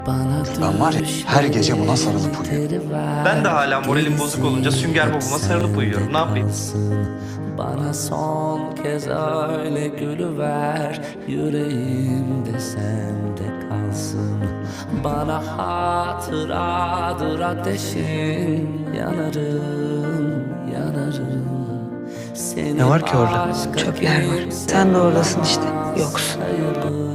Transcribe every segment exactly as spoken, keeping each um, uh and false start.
Ben var ya her gece buna sarılıp uyuyorum. Ben de hala moralim bozuk olunca sünger babama sarılıp uyuyorum. Ne yapayım? Bana son kez öyle gülüver, yüreğimde sende kalsın. Bana hatıradır ateşin, yanarım, yanarım. Seni Ne var ki orada? başka Çöpler var. kimse Sen de oradasın işte. Yoksun. sayarım.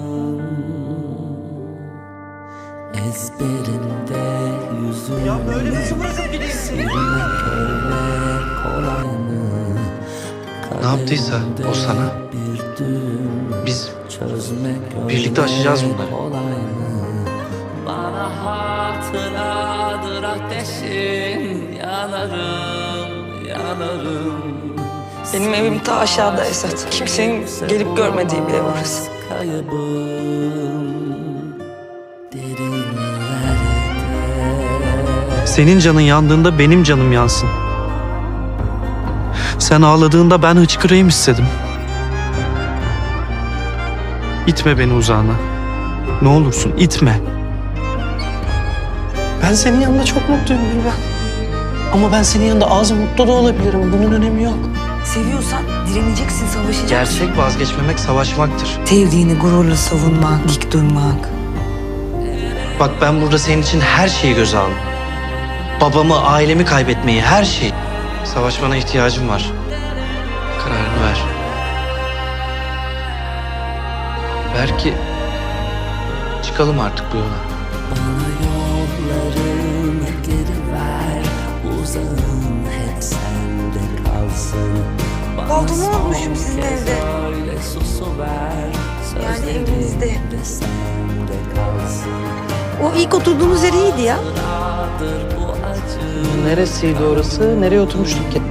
Ezberimde yüzüm. Ya böyle nasıl bırakıp gideyim? Silmek öyle kolay mı? Ne yaptıysa o sana, Bir düğüm biz çözmek öyle birlikte aşacağız bunları. kolay mı? Bana hatıradır ateşin, yanarım, yanarım. Benim evim ta aşağıda Esat. Kimsenin gelip görmediği bir ev orası. Kaybım derinlerde. Senin canın yandığında benim canım yansın. Sen ağladığında ben hıçkırayım istedim. İtme beni uzağına. Ne olursun itme. Ben senin yanında çok mutluyum Gülben. Ama ben senin yanında az mutlu da olabilirim. Bunun önemi yok. Seviyorsan direneceksin, savaşacaksın. Gerçek vazgeçmemek savaşmaktır. Sevdiğini gururla savunmak, dik durmak. Bak ben burada senin için her şeyi göze aldım. Babamı, ailemi kaybetmeyi, her şeyi. Savaşmana ihtiyacım var. Kararını ver. Belki çıkalım artık bu yola. Bana yollarını geri ver, uzağım hep sende kalsın. Bana Baldumu son unutmuşum sizin kez evde. öyle susuver, Yani sözlerim evinizde. de sende kalsın. O ilk oturduğumuz yer iyiydi ya. Hatıradır bu acı, Neresiydi orası? Nereye oturmuştuk ki?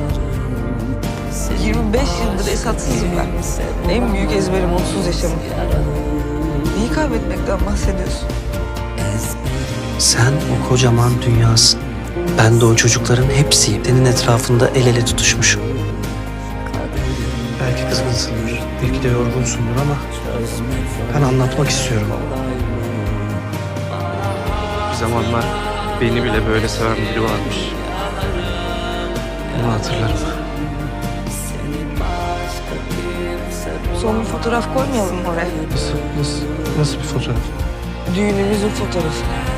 yirmi beş yıldır Esatsızım ben. En büyük ezberim onsuz yaşamak. Neyi kaybetmekten bahsediyorsun? Sen o kocaman dünyasın. Ben de o çocukların hepsiyim. Senin etrafında el ele tutuşmuşum. Belki kızgınsındır, belki de yorgunsundur ama ben anlatmak istiyorum. Bir zamanlar beni bile böyle seven biri varmış. Bunu hatırlarım. Son bir fotoğraf koymayalım mı oraya? Nasıl, nasıl, nasıl bir fotoğraf? Düğünümüzün fotoğrafı.